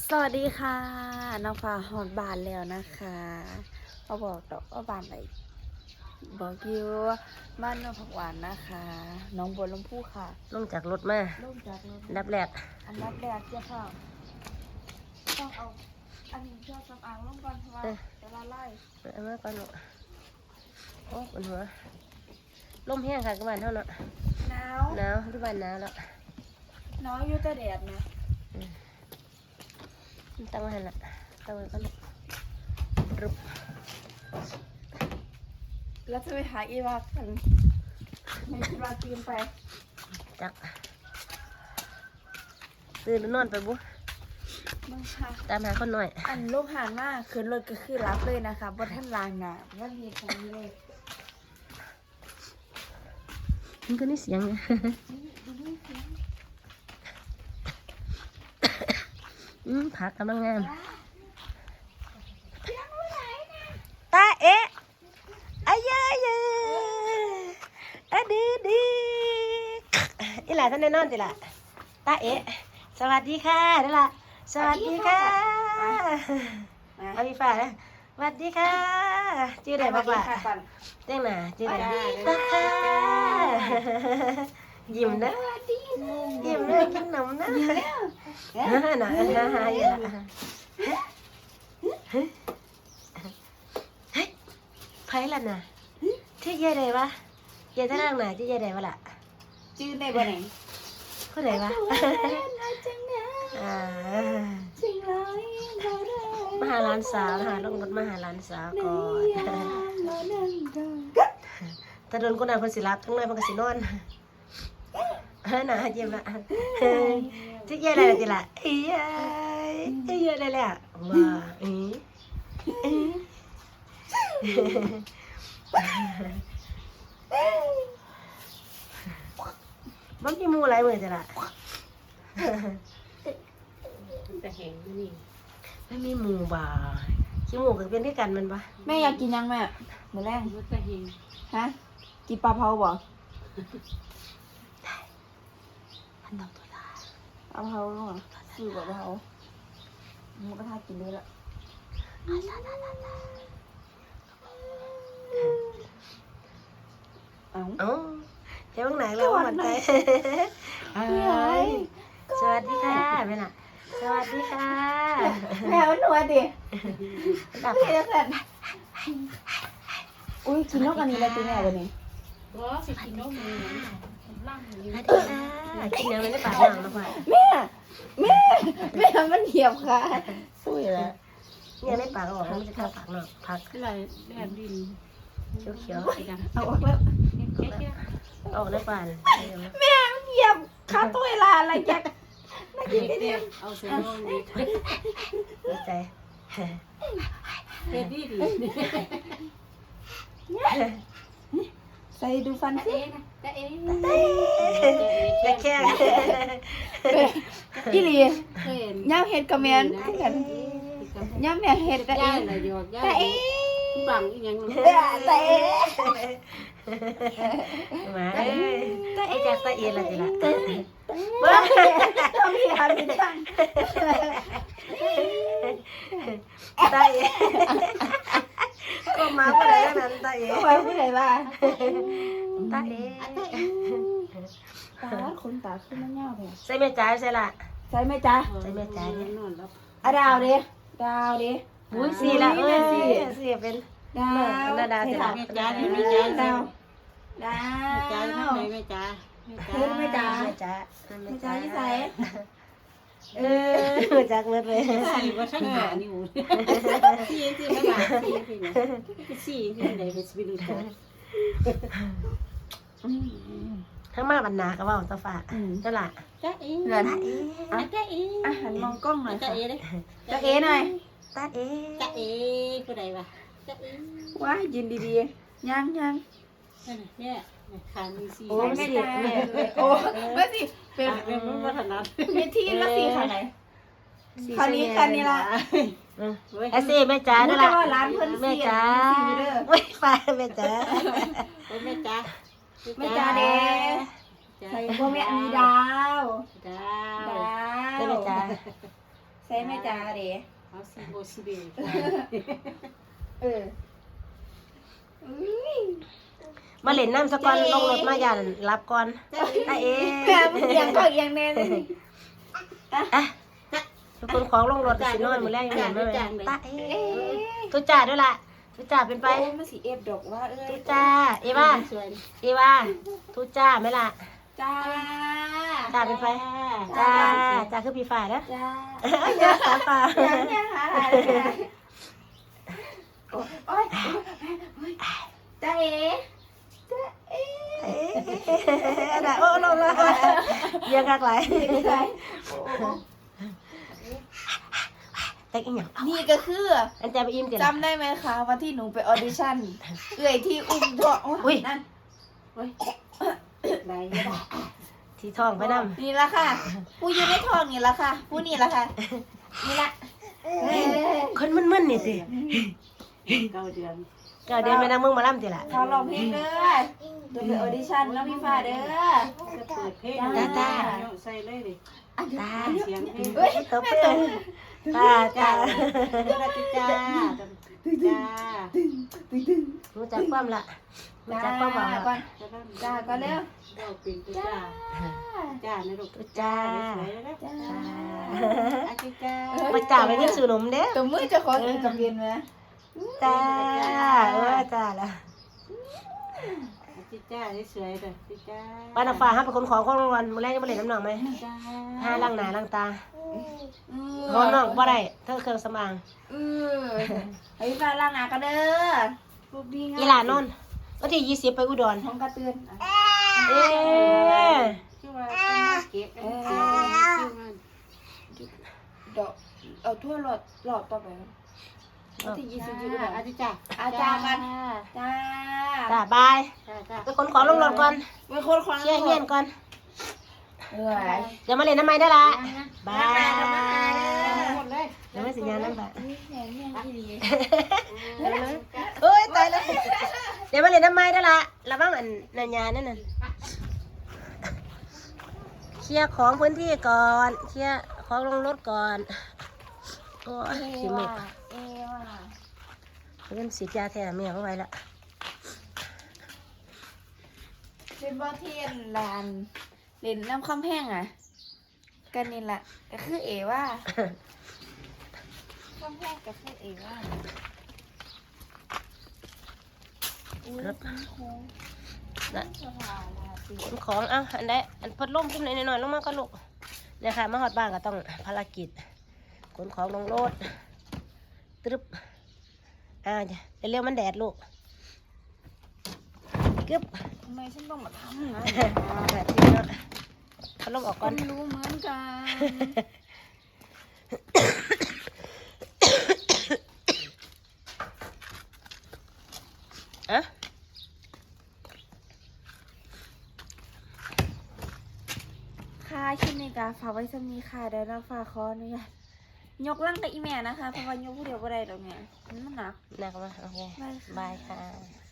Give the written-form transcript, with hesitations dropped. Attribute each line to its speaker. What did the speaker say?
Speaker 1: สวัสดีค่ะน้องฟ้าหอดบานแล้วนะคะเขาบอกดอกว่าบานไหนบอกอยู่ว่าบ้านน้องผักหวานนะคะน้องบัวลำพูค่ะ
Speaker 2: ลงจากรถมา
Speaker 1: ลงจากรถ
Speaker 2: อันดับแรก
Speaker 1: อันดับแรกเจ้าค่ะต้องเอาอันนี้เจ้าสำอางลงก่อนเพราะว่าจะละลาย
Speaker 2: เอามาก่อนเนาะโอ้ปวดหัวลมแห้งค่ะกบ้านเท่าเนาะ
Speaker 1: หนาว
Speaker 2: หนาวที่บ้านหนาวแล้ว
Speaker 1: หนาวอยู่แต่แดดนะ
Speaker 2: ตั้งไว้ให้ละตั้งไว้ก่อนรุบ
Speaker 1: แล้วจะไปหาอีวากันไม่คิดว่าตื่นไป
Speaker 2: จักตื่นหรือนอนไปบุ
Speaker 1: มึงค่ะ
Speaker 2: ตามหาคนหน่อย
Speaker 1: อันลูกหานมากขึ้นรถก็คือรับเลยนะคะบนท่านลางหนาว่ามีตรงนี้เลย
Speaker 2: มันก็นี่เสียงไงผักกำลังงามตาเอ๊ะอายาเยอะดีดีอีหล่าท่านแน่นอนจิล่ะตาเอ๊ะสวัสดีค่ะเด้อล่ะสวัสดีค่ะเอาพี่ฟ้านะสวัสดีค่ะชื่ออะไรบ้างล่ะเต้งหน่ะชื่ออะไรตาค่ะยิ้มนะยิ้มนะกินขนมนะน่ะอยู่ละไผ่ละน่ะที่ยายใดวะยายท่านั่งน่ะที่ยายใดวะล่ะ
Speaker 1: ชื่อในบ่ไหน
Speaker 2: ผู้ใดวะมาหาร้านสาวนะคะลงรถมาหาร้านสาวก่อนถ้าโดนคนนั้นคนสิรับทั้งนั้นมันก็สินอนน่ะเยี่ยมละที่ยายใดล่ะจิล่ะเอ้ยยายใดแหละว้ามันมีหมูหลายมือจ้ะล่ะแต่แห้งนี่ไม่มีหมูบ่าขี้หมูก็เป็นที่กันมันปะ
Speaker 1: แม่อยากกินยังแม่หมูแรงฮะกินปลาเผาบ่
Speaker 2: พันดอกตัวตา
Speaker 1: ปลาเผาเหรอซื้อปลาเผาหมูกระทะกินด้วยละเอ้า
Speaker 2: เอ้าเจ้าไหนแล้วหัวใจสวัสดีค่ะแม่น่ะสวัสดีค่ะ
Speaker 1: แม่มันหนวดดิ
Speaker 2: ดับ
Speaker 1: พี่จะเสร็จอุ้ยกินนกอันนี้แล้วตีแม่วันนี้
Speaker 2: สวัสดีค่ะกินยังไม่ได้ปากหนังแล้วพ่อ
Speaker 1: แม่มันเหยียบค่ะสู้อยู่แล้ว
Speaker 2: เนี่ยได้ปากออกมันจะเข้าปากหนังพัก
Speaker 3: อะไรแดดดิน
Speaker 2: เขียว
Speaker 1: เอาออกแล้ว
Speaker 2: ๆออกได้ปาน
Speaker 1: แม่มันเหยียบขาตัวเวลาอะไรแกน่ากินได้เนี่ย
Speaker 3: เอาเซโน่นี่
Speaker 2: ดีใจ
Speaker 3: เฮ็ดดีดี
Speaker 1: ใส่ดูฟันสิ
Speaker 3: แต่เอ๊ะ
Speaker 2: แต่แค่
Speaker 1: อีหลี
Speaker 3: เคยเห็น
Speaker 1: ย่าเห็ดกับแมนคือกันย่าแม่เห็ดแต่เอ
Speaker 3: ย่าง อะไรหยอกย่า
Speaker 1: แต่เอ๊
Speaker 3: บังอีหยัง
Speaker 1: แต่เอ๊
Speaker 2: มาไอ้จากตะเอียนละจิละ
Speaker 1: ต้องมีหามีจัง
Speaker 2: ตะเอียก็มาเมื่อไรนั้นตะเอีย
Speaker 1: ไว้ผู้ใดบ้า
Speaker 2: ตาเอ๋
Speaker 1: ตาคนตาขึ้นมาเงาเลย
Speaker 2: ใส่แม่จ๋าใส่ละ
Speaker 1: ใช่ไหมจ๊ะ
Speaker 3: นอนแล้ว
Speaker 1: อะดาวดิดาวดิ
Speaker 2: อุ้ยสี่ละสี่เป็น
Speaker 1: ดาว
Speaker 2: นาดา
Speaker 1: ใช่
Speaker 2: สิ
Speaker 1: ดา
Speaker 2: ละ
Speaker 1: ว
Speaker 3: แม่จ๋าแม่จ๋า
Speaker 1: ดาวดา
Speaker 3: แม่จ๋าทำ
Speaker 1: ว
Speaker 3: ไมแม่จ๋า
Speaker 1: แม่จ๋า
Speaker 2: แม่จ๋า
Speaker 1: แม่จ๋าที่ใส่
Speaker 2: จากเมื่อเลย
Speaker 3: สี่ว่าช่างหานี่หูสี่สี่ไม่หลาสี่สี่นะสี่ที่ไหนเป็นสปิริต
Speaker 2: ทั้งมาบรรณาก็ว่าตาฝาเจ้าละ
Speaker 3: จ้าเอ๋
Speaker 1: เหลือนะ
Speaker 3: จ้าเอ๋
Speaker 1: อาหารมองกล้องหน่อย
Speaker 3: จ้า
Speaker 1: ค่ะ
Speaker 3: เอ๋เลย
Speaker 1: จะเอ๋หน่อย
Speaker 2: ตาเอ๋
Speaker 3: จ้าเอ๋ผู้ใดวะจ้าเอ๋
Speaker 1: ว้ายินดีๆยัง
Speaker 3: เนี่ยคางมีสี่
Speaker 2: โอ้
Speaker 1: ไม่
Speaker 2: สิ
Speaker 1: ได้
Speaker 2: แม่
Speaker 1: โอ้ไม่สิเป็น
Speaker 3: เป็นวัฒนธรรม
Speaker 1: มีที่ละสี่ค่ะไหนคราวนี้กันนี่ละ
Speaker 2: ไอ้สิแม่จ๋า
Speaker 1: รู้
Speaker 2: นั่น
Speaker 1: แต่
Speaker 2: ละ
Speaker 1: ว่าร้านเพิ่น
Speaker 2: แม่
Speaker 1: สี่
Speaker 2: จ๋า
Speaker 1: สี่เด้อ
Speaker 2: ไม่ฟ้าแม่จ๋า
Speaker 3: แม่จ๋า
Speaker 1: ไม่จ้าเด้ใส่พวกแม่อันนี้ดาว
Speaker 3: ดา
Speaker 1: ดาว
Speaker 2: แม่จ๋า
Speaker 1: ใส่แม่จ้าเด้
Speaker 3: เอาซีโบซีเบ
Speaker 1: เอออุ้ย
Speaker 2: มาเล่นน้ำสะก่อนลงรถมาอย่ารับก่อนตาเอ๋
Speaker 1: แม่มึงยังก็ยังแน่เลย
Speaker 2: อ่ะทุกคนของลงรถสิน้อยมื้อแรกยังเห็นไหมตาเอ๋ตุจ่าด้วยล่ะตุจ่าเป็นไป
Speaker 1: โอ้มันสีเอฟดอกว่าเอ้ย
Speaker 2: ตุจ่าเอว่า
Speaker 3: สวย
Speaker 2: เอว่าตุจ่าไหมล่ะ
Speaker 1: จ้า
Speaker 2: จ่าเป็นไปจ่าจ่าคือพี่ฝ่ายนะ
Speaker 1: จ้า
Speaker 2: เยอะสามป่า
Speaker 1: ยังหาอะไรโอ้ยจ้าเอ๋จ้าเอ๋
Speaker 2: ได้โอ้ลงละยังกักไหลแต่อีหยัง
Speaker 1: นี่ก็คือ
Speaker 2: อันใจไปอิ่มเดี๋ยว
Speaker 1: จำได้ไหมคะวันที่หนูไปออดิชั่นเอื่อยที่อุ้มท้องโอ้ยนั่น
Speaker 3: ไหน
Speaker 2: ที่ท้องไปนำ
Speaker 1: นี่ละค่ะ ผู้อยู่ในท้องนี่ละค่ะ ผู้นี่ละค่ะ นี่ละ
Speaker 2: คนมึนๆนี่สิ
Speaker 3: 9 เดือน
Speaker 2: ก็เดินไปนั่งมึงมาล่ำติล่ะ
Speaker 1: เขาร้องเพลงเด้อเดี๋ยวไปออดิชั่นแล้วพี่ฟ้าเด้อ
Speaker 3: จะเปิดเพลงใส่เลยดิ
Speaker 2: ตา
Speaker 3: เสียงเพลง
Speaker 1: เฮ้ย
Speaker 2: ตบเปื้อนตา
Speaker 3: จ้าจ้า
Speaker 2: รู้จักความละรู้จักความบอกละ
Speaker 1: ก่อนจ้าก่อนเร็ว
Speaker 3: เราเป็นจ้าจ้าในลูก
Speaker 2: จ้า
Speaker 3: สวยแล้ว
Speaker 1: จ้า
Speaker 3: อาจิจ้า
Speaker 2: ไปจ่าไปเงินซื้อนมเด้อ
Speaker 1: ตัวมือจะขอกินกับเย็นไหม
Speaker 2: จ้าจ้าละ
Speaker 3: อาจิจ้าสวยเลยจิจ้า
Speaker 2: ป้าน้ำฟ้าห้าเป็นคนของรางวัลมื้อแรกจะมาเล่นน้ำหนักไหม
Speaker 3: จ้า
Speaker 2: ห้าล้างหน้าล้างตาห้องน้องบ่ได้เธอเครื่องสำอาง
Speaker 1: ให้พี่ฟ้าล้างหน้ากันเด้อ
Speaker 3: ลูกดีงาม
Speaker 2: อีหลานนนท์วันที่20ไปอุดร
Speaker 1: ท้องกระเตือน
Speaker 2: เอ๊ะ
Speaker 3: ชื่อว่าเป็นมาเก็บชื่อมัน
Speaker 1: ดอกเอาทั่วหลอดต่อไปวันที่20อยู่
Speaker 3: อาจิจ้า
Speaker 1: อาจารย์กันจ้า
Speaker 2: จ้าบาย
Speaker 3: จ้า
Speaker 2: ไปขนของลงรถก่อน
Speaker 1: เป็นคนคว้าง
Speaker 2: เชี่ยเงียนก่อน
Speaker 1: เอ้ย
Speaker 2: เดี๋ยวมาเล่นน้ำไม้ได้ละบาย
Speaker 3: หมดเลย
Speaker 2: เดี๋ยวไม่สัญญาณน้ำบาย
Speaker 1: แหนแม่ที่ดี
Speaker 2: เอ้ยตายแล้วเดี๋ยวมาเล่นน้ำไม้ได้ละระวังอันนันยานั่นน่ะเคลียร์ของพื้นที่ก่อนเคลียร์ของลงรถก่อนโอ้ยขี้มุก
Speaker 1: เอว่ะ
Speaker 2: เริ่มฉีดยาแทนเมียเข้าไปละ
Speaker 1: เป็นบ่อเทียนลานเล่นน้ำคำแห้งอ่ะกันนี่แหละก็คือเอว่าคำแห้งก็คือเอว่าอุ้ยโค้ง
Speaker 2: นะ
Speaker 1: สภาลาตี
Speaker 2: ขนของเอ้าอันใดอันพัดลมขึ้นหน่อยๆลงมาก็ลูกเนี่ยค่ะมาหอดบ้านก็ต้องภารกิจขนของลงรถตรึบเร็วๆมันแดดลูกกึบ
Speaker 1: ทำไมฉันต้องมาทำนะ
Speaker 2: แบบนี้เนาะพัดลมออกก่
Speaker 1: ก็
Speaker 2: อน
Speaker 1: ไม่รู้เหมือนกัน
Speaker 2: อะ
Speaker 1: ค่ะคลิปนี้ก็ฝากไว้สำนี้ค่ะเดี๋ยวเราฝากขออนุญาตยกร่างกับอีแม่นะคะเพราะว่ายกผู้เดียวก็ได้ดอกเนี่ยมันหนัก
Speaker 2: หนักไหมโอเค
Speaker 1: ได้ค่ะ
Speaker 2: บายค่ะ